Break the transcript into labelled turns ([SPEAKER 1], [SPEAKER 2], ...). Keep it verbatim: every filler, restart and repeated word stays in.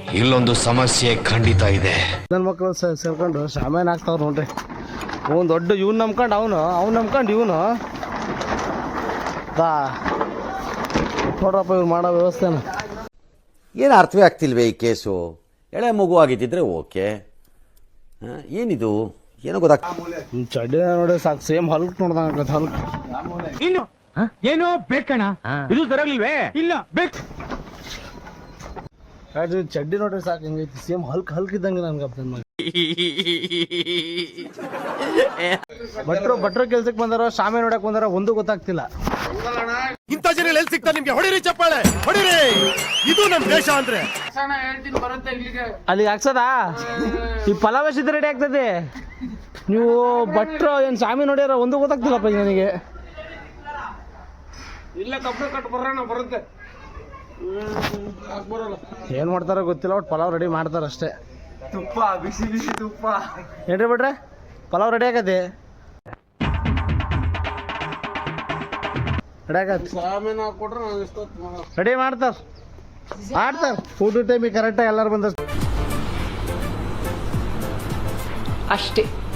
[SPEAKER 1] ಇಲ್ಲೊಂದು ಸಮಸ್ಯೆ ಖಂಡಿತ ಇದೆ.
[SPEAKER 2] ನನ್ನ ಮಕ್ಕಳು ಸೇರ್ಕೊಂಡು ಸಾಮಾನು ಹಾಕ್ತಾವ್ರು ನೋಡ್ರಿ. ಅವ್ನು ದೊಡ್ಡ ಇವ್ನು ನಂಬ್ಕೊಂಡು ಅವನು ಅವ್ನು ನಂಬ್ಕೊಂಡು ಇವನು ಬಾ ನೋಡ್ರಪ್ಪ ಇವ್ರು ಮಾಡೋ ವ್ಯವಸ್ಥೆನ.
[SPEAKER 3] ಏನು ಅರ್ಥವೇ ಆಗ್ತಿಲ್ವೇ ಈ ಕೇಸು? ಎಳೆ ಮಗು ಆಗಿದ್ದಿದ್ರೆ ಓಕೆ, ಏನಿದು ಏನೋ ಗೊತ್ತಾಗ್ತ.
[SPEAKER 2] ಚಡ್ಡಿ ನೋಡಿ ಸಾಕು, ಸೇಮ್ ಹಲ್ಕ್ ನೋಡ್ದಂಗ ಹಲ್ಕ್.
[SPEAKER 4] ಇನ್ನು ಏನೋ ಬೇಕಣ್ಣ, ಇದು ತರಲಿಲ್ವೇ? ಇಲ್ಲ ಬೇಕು.
[SPEAKER 2] ಚಡ್ಡಿ ನೋಡ್ರಿ ಸಾಕು, ಹಿಂಗೈತಿ ಸೇಮ್ ಹಲ್ಕ್ ಹಲ್ಕ್ ಇದ್ದಂಗೆ ನನ್ಗಪ್ಪ. ಭಟ್ರು ಭಟ್ರು ಕೆಲ್ಸಕ್ಕೆ ಬಂದಾರೋ ಶಾಮೆ ನೋಡಕ್ ಬಂದಾರೋ ಒಂದು ಗೊತ್ತಾಗ್ತಿಲ್ಲ.
[SPEAKER 5] ಇಂಥ ಜನ ಎಲ್ಲಿ ಸಿಗ್ತಾರೆ ನಿಮ್ಗೆ? ಹೊಡಿರಿ ಚಪ್ಪಾಳೆ ಹೊಡಿರಿ, ಇದು ನಮ್ ದೇಶ ಅಂದ್ರೆ.
[SPEAKER 2] ಅಲ್ಲಿಗೆ ಹಾಕ್ಸದಾ ಈ ಪಲಾವ್ ಎಷ್ಟಿದ್ರೆ ರೆಡಿ ಆಗ್ತದೆ. ನೀವು ಭಟ್ರು ಏನ್ ಶಾಮಿ ನೋಡ್ಯಾರ ಒಂದು ಗೊತ್ತಾಗ್ತಿಲ್ಲಪ್ಪ ನನಗೆ.
[SPEAKER 4] ಇಲ್ಲ ಕಬ್ಬು ಕಟ್ ಬರೋಣ ಬರುತ್ತೆ.
[SPEAKER 2] ಏನ್ ಮಾಡ್ತಾರೋ ಗೊತ್ತಿಲ್ಲ, ಒಟ್ಟು ಪಲಾವ್ ರೆಡಿ ಮಾಡ್ತಾರ ಅಷ್ಟೇ.
[SPEAKER 4] ತುಪ್ಪ ಬಿಸಿ ಬಿಸಿ ತುಪ್ಪ
[SPEAKER 2] ಏನ್ರಿ ಬಿಟ್ರೆ ಪಲಾವ್ ರೆಡಿ ಆಗತ್ತೆ, ರೆಡಿ ಆಗತ್ತೆ. ರೆಡಿ ಮಾಡ್ತಾರ ಮಾಡ್ತಾರ ಊಟ ಟೈಮಿಗೆ ಕರೆಕ್ಟಾಗಿ ಎಲ್ಲರೂ ಬಂದ
[SPEAKER 6] ಅಷ್ಟೇ.